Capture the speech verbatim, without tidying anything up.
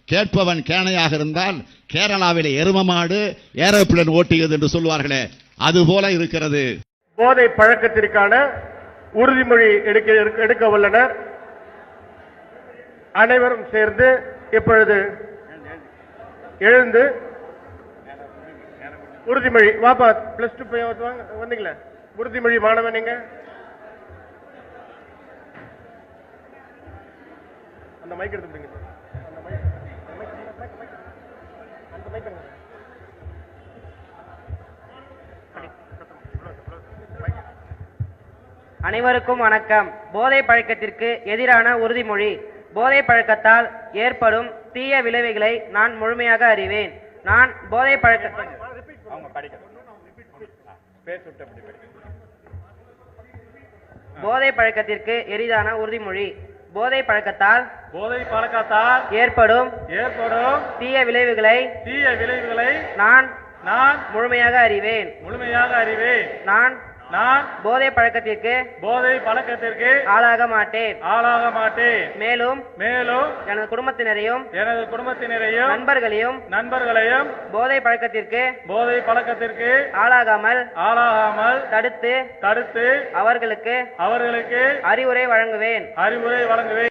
கேட்பவன் கேணையாக இருந்தால் கேரளாவிலே எரும மாடு ஏரோப்ளேன் ஓட்டியது என்று சொல்வார்களே, அதுபோல இருக்கிறது. போதை பழக்கத்திற்கான உறுதிமொழி எடுக்க எடுக்க உள்ளனர். அனைவரும் சேர்ந்து இப்பொழுது எழுந்து உறுதிமொழி வாப்பா பிளஸ் டூ வந்தீங்களா? உறுதிமொழி மாணவன் நீங்க அந்த மைக் எடுத்துட்டீங்க. அனைவருக்கும் வணக்கம். போதை பழக்கத்திற்கு எதிரான உறுதிமொழி. போதை பழக்கத்தால் ஏற்படும் தீய விளைவுகளை நான் முழுமையாக அறிவேன். நான் போதை பழக்க போதை பழக்கத்திற்கு எதிரான உறுதிமொழி. போதை பழக்கத்தால் போதை பழக்கத்தால் ஏற்படும் ஏற்படும் தீய விளைவுகளை தீய விளைவுகளை நான் நான் முழுமையாக அறிவேன். முழுமையாக அறிவேன். நான் நான் போதை பழக்கத்திற்கு போதை பழக்கத்திற்கு ஆளாக மாட்டேன் ஆளாக மாட்டேன். மேலும் மேலும் எனது குடும்பத்தினரையும் எனது குடும்பத்தினரையும் நண்பர்களையும் நண்பர்களையும் போதை பழக்கத்திற்கு போதை பழக்கத்திற்கு ஆளாகாமல் ஆளாகாமல் தடுத்து தடுத்து அவர்களுக்கு அவர்களுக்கு அறிவுரை வழங்குவேன் அறிவுரை வழங்குவேன்.